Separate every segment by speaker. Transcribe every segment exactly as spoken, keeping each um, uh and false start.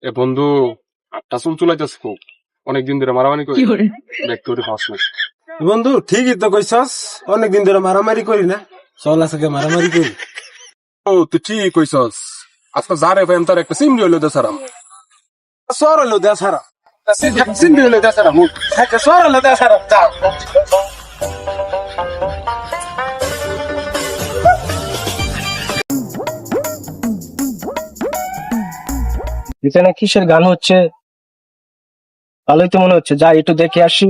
Speaker 1: এ বন্ধু, আটটা চুল চুলাইতেছে খুব, অনেকদিন ধরে মারামারি করি দেখতে ওটা হস না।
Speaker 2: বন্ধু ঠিকই তো কইছস, অনেকদিন ধরে মারামারি করি না, চল আজকে মারামারি করি।
Speaker 1: ও তুই ঠিক কইছস, আজকে যারে ভাই তার একটা সিমরি হইলো দেসারাম।
Speaker 2: সর হলো দে সারা,
Speaker 1: সিমরি হইলো দেসারাম।
Speaker 2: একটা সর হলো দে সারা, যা
Speaker 3: এখানে কিসের গান হচ্ছে? ভালোই তো মনে হচ্ছে, যাই একটু দেখে আসি।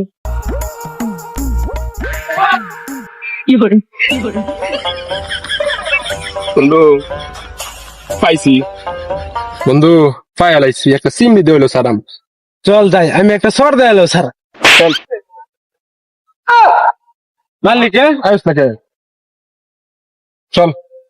Speaker 1: বন্ধু পাইছি, বন্ধু পাই আলাইছি, একটা সিমরি দিয়ে হইলো সারাম।
Speaker 2: চল যাই, আমি একটা সর দে এলো সারা।
Speaker 1: চল
Speaker 2: মালিকে
Speaker 1: আয়ুস নাকি, চল।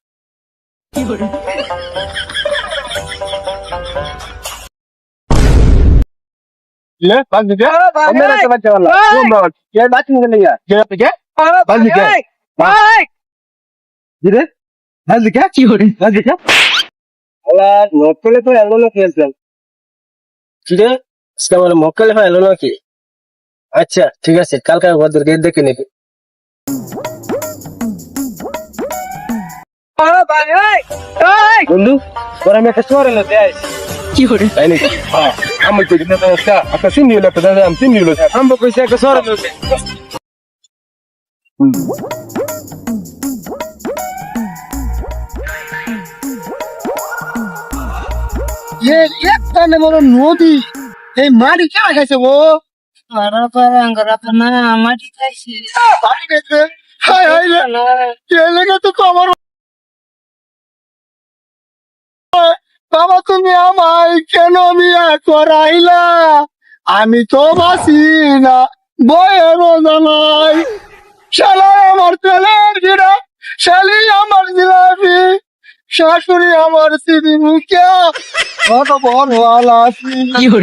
Speaker 2: ले बात दिखे मेरा तो बच्चा वाला वो बात ये बात नहीं करनी है क्या दिखे बात दिखे भाई धीरे बात दिखे की हो रही बात दिखे
Speaker 3: আলা মক্কেলে তো এলো না খেলছেন কি রে? আজকে আমার মক্কেলে হয় এলো নাকি? আচ্ছা ঠিক আছে, কালকে ওদের গেট দেখে নেবে। বন্ধু তোর আমি একটা শহরে এলো দেয়
Speaker 1: তাই নাকি? হ্যাঁ, আমি তো কিন্তু একটা একটা সিমরি হইলো, একটা দেসারাম সিমরি হইলো।
Speaker 2: हम कोई से एक सर एलो
Speaker 4: ये एक तने मोर नदी এই মাটি কে খাইছে গো পারা পারা আঙ্গরা পানা মাটি খাইছে মাটি খাইছে হাই হাই রে কে লেগে তো কবর বাবা তুমি আমায় কেন মিয়া করাইলা আমি তো বাসি না বয়ের জানাই শালা আমার তেলের গিরা শালি আমার জিলাপি শাশুড়ি আমার সিদি মুখিয়া কত বড় ওয়ালা আছি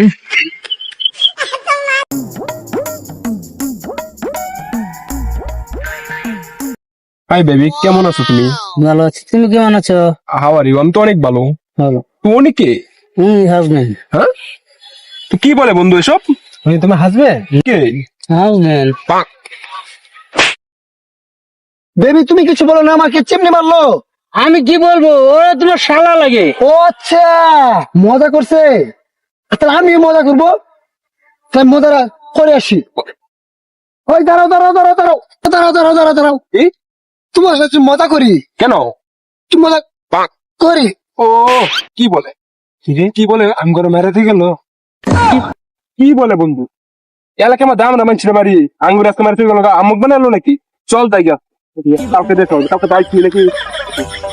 Speaker 1: হাই বেবি, কেমন আছো তুমি?
Speaker 4: ভালো আছি তুমি কেমন আছো
Speaker 1: হাউ আর ইউ? আমি তো অনেক ভালো।
Speaker 4: ভালো
Speaker 1: তুই অনেকে?
Speaker 4: হুম হাজবেন্ড
Speaker 1: হ্যাঁ, তো কি বলে বন্ধু এসব?
Speaker 2: তুমি তুমি হাসবে
Speaker 1: কে?
Speaker 4: হাজবেন্ড
Speaker 1: পাক
Speaker 4: বেবি তুমি কিছু বলো না আমাকে চিমনি মারলো আমি কি বলবো ওরা তোমার শালা লাগে ও আচ্ছা মজা করছে তাহলে আমি মজা করবো তাই মজা করে আসি ওই দাঁড়াও দাঁড়াও দাঁড়াও দাঁড়াও দাঁড়াও দাঁড়াও দাঁড়াও দাঁড়াও
Speaker 1: এই
Speaker 4: তোমার কাছে মজা করি
Speaker 1: কেন?
Speaker 4: তুমি মজা
Speaker 1: পাক
Speaker 4: করি
Speaker 1: ও কি বলে?
Speaker 2: কি রে কি বলে আম করে মেরে গেল
Speaker 1: কি বলে বন্ধু? এলাকা আমার দাম না মানছিল মারি আঙ্গুর আজকে মারতে গেল, আমুক বানালো নাকি? চল তাই গা, কালকে দেখো কালকে বাইক নাকি